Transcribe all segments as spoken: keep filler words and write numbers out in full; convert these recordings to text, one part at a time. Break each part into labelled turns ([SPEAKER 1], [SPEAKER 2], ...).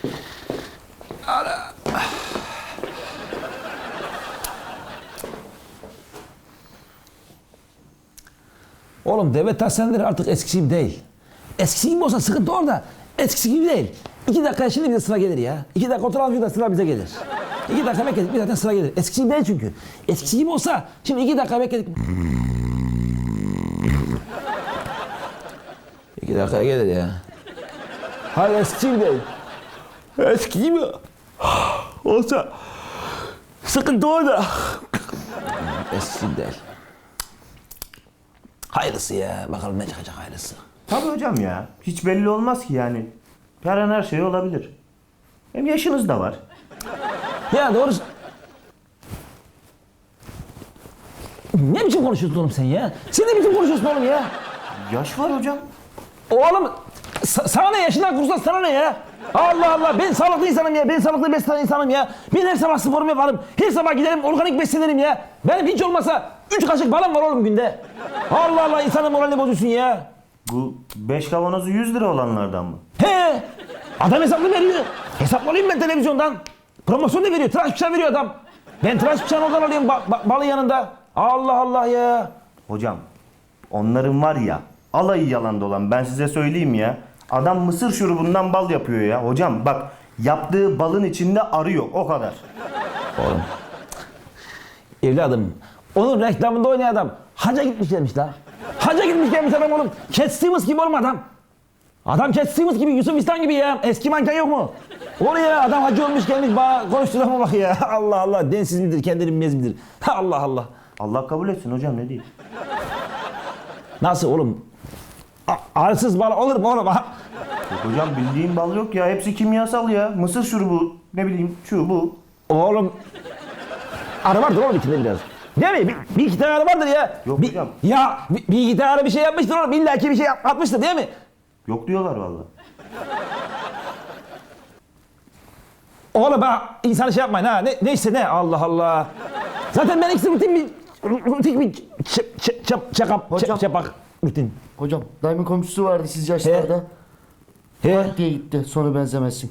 [SPEAKER 1] Oğlum devlet hastaneleri artık eskisi gibi değil. Eskisi gibi olsa sıkıntı orada. Eskisi gibi değil. İki dakika şimdi bize sıra gelir ya. İki dakika oturalım da sıra bize gelir. İki dakika bekledik bir zaten sıra gelir. Eskisi gibi değil çünkü. Eskisi gibi olsa şimdi iki dakika bekledik. İki dakika gelir ya. Hayır eskisi gibi değil. Eski gibi olsa sıkıntı orada. Eskisi gibi değil. Hayırlısı ya. Bakalım ne çıkacak hayırlısı.
[SPEAKER 2] Tabii hocam ya. Hiç belli olmaz ki yani. Her an her şey olabilir. Hem yaşınız da var.
[SPEAKER 1] Ya doğrusu... Ne biçim konuşuyorsun oğlum sen ya? Sen ne biçim konuşuyorsun oğlum ya?
[SPEAKER 2] Yaş var hocam.
[SPEAKER 1] Oğlum sa- sana ne yaşından kursan sana ne ya? Allah Allah ben sağlıklı insanım ya. Ben sağlıklı beslenen insanım ya. Ben her sabah sporumu yaparım. Her sabah giderim organik beslenirim ya. Benim hiç olmasa üç kaşık balım var oğlum günde. Allah Allah insanın moralini bozuyorsun ya.
[SPEAKER 2] Bu beş kavanozu yüz lira olanlardan mı?
[SPEAKER 1] He! Adam hesaplı veriyor. Hesaplayayım ben televizyondan. Promosyon da veriyor. Tıraş bıçağı veriyor adam. Ben tıraş bıçağını oradan alıyorum ba- ba- balın yanında. Allah Allah ya.
[SPEAKER 2] Hocam onların var ya alayı yalan dolan ben size söyleyeyim ya. Adam mısır şurubundan bal yapıyor ya. Hocam bak yaptığı balın içinde arı yok o kadar.
[SPEAKER 1] Oğlum. Evladım. Onun reklamında oynayan adam. Hacca gitmiş gelmiş la. Hacca gitmiş gelmiş adam oğlum. Cat Stevens gibi oğlum adam. Adam Cat Stevens gibi, Yusuf İslam gibi ya. Eski manken yok mu? O ne ya? Adam hacı olmuş gelmiş bana konuştuğuna bak ya. Allah Allah. Densiz midir, kendini bilmez midir? Allah Allah.
[SPEAKER 2] Allah kabul etsin hocam ne diyeyim.
[SPEAKER 1] Nasıl oğlum? A- Arısız bal olur mu oğlum?
[SPEAKER 2] Yok hocam bildiğin bal yok ya. Hepsi kimyasal ya. Mısır şurubu ne bileyim şu bu.
[SPEAKER 1] Oğlum. Arı vardır oğlum içinde biraz. Değil mi? Bir, bir iki tane arı vardır ya.
[SPEAKER 2] Yok
[SPEAKER 1] bir,
[SPEAKER 2] hocam.
[SPEAKER 1] Ya bir, bir iki tane arı bir şey yapmıştır oğlum. İlla ki bir şey yap- atmıştır değil mi?
[SPEAKER 2] Yok diyorlar vallahi.
[SPEAKER 1] Oğlum bak insanı şey yapmayın ha. Ne, neyse ne Allah Allah. Zaten ben ikisi rutin bir rutin bir çap çap çap çakap
[SPEAKER 3] Hocam.
[SPEAKER 1] çapak rutin.
[SPEAKER 3] Hocam dayımın komşusu vardı siz yaşlarda.
[SPEAKER 1] He.
[SPEAKER 3] diye gitti sonu benzemezsin.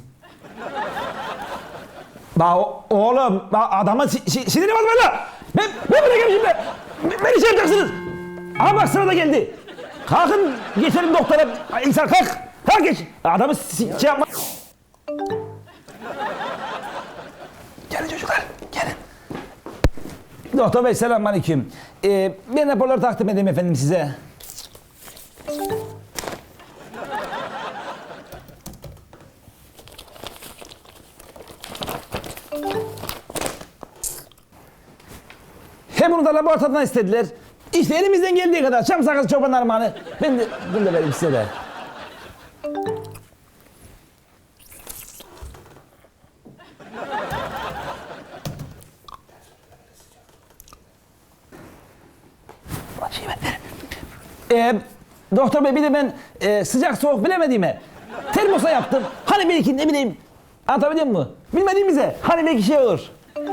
[SPEAKER 1] Bak o- oğlum bak adama si, si, siniri var böyle. Ben ben bırakayım şimdi. Ben- Beni şey yapacaksınız. Ama bak sıra da geldi. Kalkın geçelim doktora. İnsan kalk. Kalk geç. Adamı si, şey yapma. Gelin çocuklar, gelin. Doktor bey selamünaleyküm. Ee, ben raporları takdim edeyim efendim size. Hem bunu da laboratuvardan istediler. İşte elimizden geldiği kadar çam sakız çoban armağanı. Ben de bunu da vereyim size de. Şey ver, ver. Ee, doktor bey bir de ben e, sıcak soğuk bilemediğime termosa yaptım. Hani belki ne bileyim anlatabiliyor muyum? Bilmediğimize hani belki şey olur.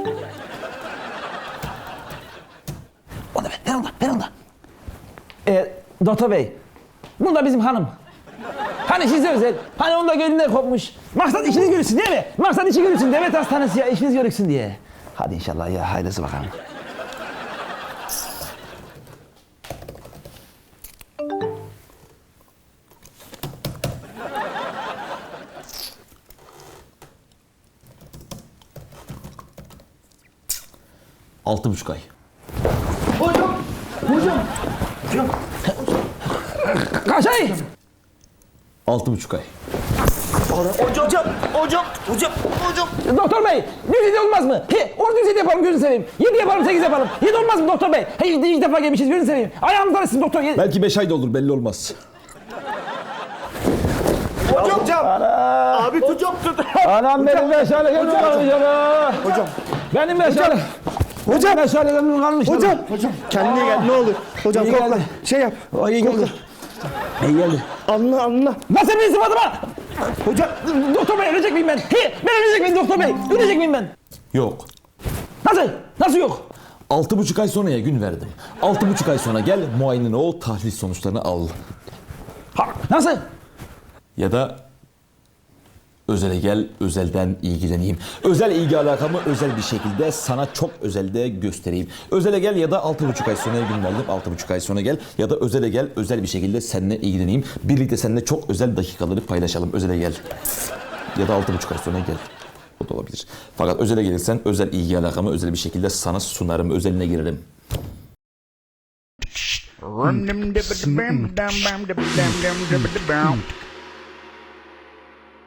[SPEAKER 1] Onu ver, ver onu, ver onu. Ee, doktor bey, bu da bizim hanım. Hani size özel, hani onun da gönlünden kopmuş. Maksat işiniz görülsün değil mi? Maksat işi görülsün, devlet hastanesi ya, işiniz görülsün diye. Hadi inşallah ya, hayırlısı bakalım. Altı buçuk ay.
[SPEAKER 3] Hocam! Hocam!
[SPEAKER 2] Hocam
[SPEAKER 1] Kaç ay? Altı buçuk ay.
[SPEAKER 2] hocam hocam hocam hocam hocam.
[SPEAKER 1] Doktor bey, düzeyde olmaz mı? He, onu düzeyde yapalım gözünü seveyim. Yedi yapalım, sekiz yapalım. Yedi olmaz mı doktor bey? He, ilk defa gelmişiz gözünü seveyim. Ayağımızdan ısın doktor. Yedi.
[SPEAKER 4] Belki beş ay da olur belli olmaz.
[SPEAKER 2] Hocam. hocam. Abi hocam tut.
[SPEAKER 1] Anam benim meşalelemim kalmış ana.
[SPEAKER 3] Hocam!
[SPEAKER 1] Benim meşale. Hocam. Meşalelemim kalmış.
[SPEAKER 3] Hocam! Hocam! Kendine gel ne olur. Hocam
[SPEAKER 1] İyi
[SPEAKER 3] kokla.
[SPEAKER 1] geldi.
[SPEAKER 3] Şey yap.
[SPEAKER 1] O iyi geldi. İyi geldi.
[SPEAKER 3] Anla anla.
[SPEAKER 1] Nasıl bir sıfatıma?
[SPEAKER 3] Hocam!
[SPEAKER 1] Doktor bey ölecek miyim ben? He, ben ölecek miyim doktor bey? Ölecek miyim ben?
[SPEAKER 4] Yok.
[SPEAKER 1] Nasıl? Nasıl yok?
[SPEAKER 4] Altı buçuk ay sonraya gün verdim. Altı buçuk ay sonra gel muayenene ol, tahlil sonuçlarını al.
[SPEAKER 1] Ha, nasıl?
[SPEAKER 4] Ya da Özele gel, özelden ilgileneyim. Özel ilgi alakamı özel bir şekilde sana çok özelde göstereyim. Özele gel ya da altı buçuk ay sonra gün verdim. Altı buçuk ay sonra gel ya da özele gel, özel bir şekilde seninle ilgileneyim. Birlikte seninle çok özel dakikaları paylaşalım. Özele gel. Ya da altı buçuk ay sonra gel. O da olabilir. Fakat özele gelirsen özel ilgi alakamı özel bir şekilde sana sunarım. Özeline girerim.
[SPEAKER 5] Rum dum dum dum dum dum dum dum dum dum dum.